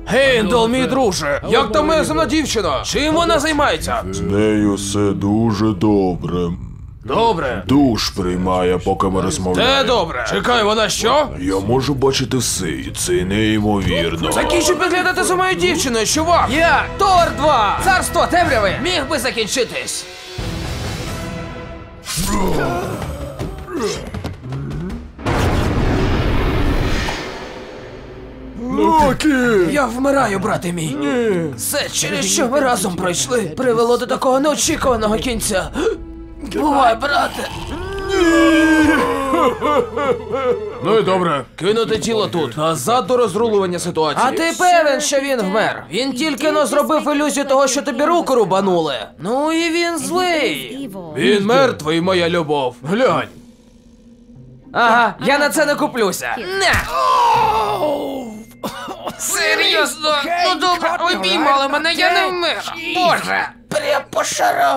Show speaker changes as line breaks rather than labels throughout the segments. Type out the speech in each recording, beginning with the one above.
Гейндл, мій друже, як там моя земна дівчина? Чим вона займається?
З нею все дуже добре.
Добре.
Душ приймає, поки ми розмовляємо.
Те добре. Чекай, вона що?
Я можу бачити все, і це неймовірно.
Закінчу підглядати за моєю дівчиною, чувак! Я, Тор 2, Царство темряви, міг би закінчитись.
Локі!
Я вмираю, брате мій. Все, через що ми разом пройшли, привело до такого неочікуваного кінця. Бувай, брате. Ну і добре, кинути тіло тут, назад до розрулювання ситуації. А ти певен, що він вмер? Він тільки но зробив ілюзію того, що тобі руку рубанули. Ну і він злий. Він мертвий, моя любов. Глянь. Ага, я на це не куплюся. Не! Серйозно? Ну добре, ви піймали мене, я не вмер. Боже! Прям по шарам.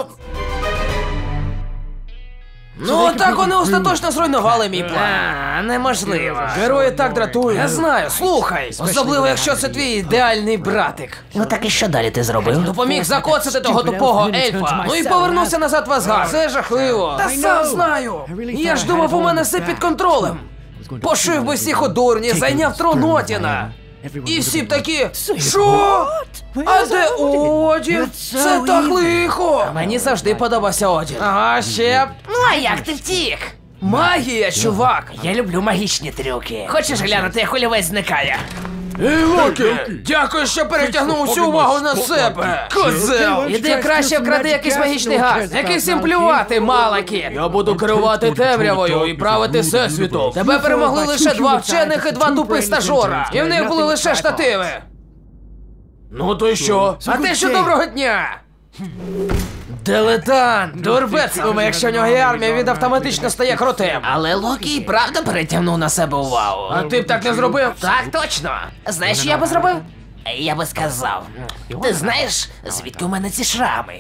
Ну, так вони остаточно зруйнували мій план. Неможливо. Герої так дратують. Я знаю, слухай. Особливо, якщо це твій ідеальний братик.
Ну так і що далі ти зробив?
Допоміг закоцати того тупого ельфа. Ну і повернувся назад в Асгард. Це жахливо. Та сам знаю. Я ж думав, у мене все під контролем. Пошив би всіх у дурні, зайняв трон Одіна. І всі б такі, що? А де Одін? Це так лихо. Мені завжди подобався Одін. Ага, ще б.
Ну а як ти втік?
Магія, чувак.
Я люблю магічні трюки. Хочеш глянути, як олівець зникає?
Ей, Локі, дякую, що перетягнув усю увагу на себе. Козел. Іди краще вкради якийсь магічний газ. Який всім плювати, малаки. Я буду керувати темрявою і правити всесвітом. Тебе перемогли лише 2 вчених і 2 тупих стажора. І в них були лише штативи. Ну то й що? А те, що доброго дня. Дилетант! Дурбець думає, якщо в нього є армія, він автоматично стає крутим.
Але Локі і правда перетягнув на себе увагу.
А ти б так не зробив?
Так, точно. Знаєш, що я би зробив? Я би сказав. Ти знаєш, звідки у мене ці шрами?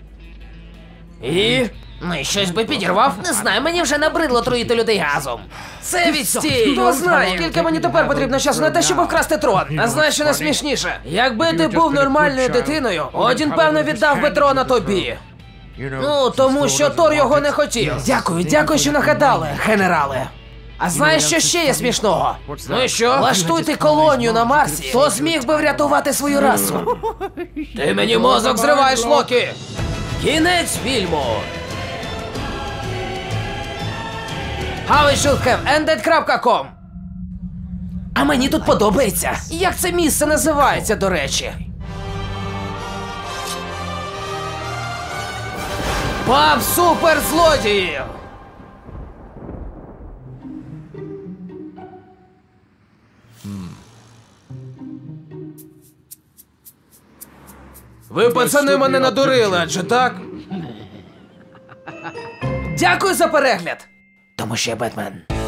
І?
Ну і щось би підірвав? Не знаю, мені вже набридло труїти людей газом.
Це відстій! Хто знає, скільки мені тепер потрібно часу на те, щоб вкрасти трон. А знаєш, що найсмішніше? Якби ти був нормальною дитиною, Одін, певно, віддав би трона тобі. Ну, тому що Тор його не хотів. Дякую, що нагадали, генерале. А знаєш, що ще є смішного? Ну і що? Влаштуйте колонію на Марсі, хто зміг би врятувати свою расу. Ти мені мозок зриваєш, Локі! Кінець фільму! HowItShouldHaveEnded.com. А мені тут подобається. Як це місце називається, до речі? Паб суперзлодіїв! Ви, пацани, мене надурили, адже так? Дякую за перегляд!
Тому що я Бетмен.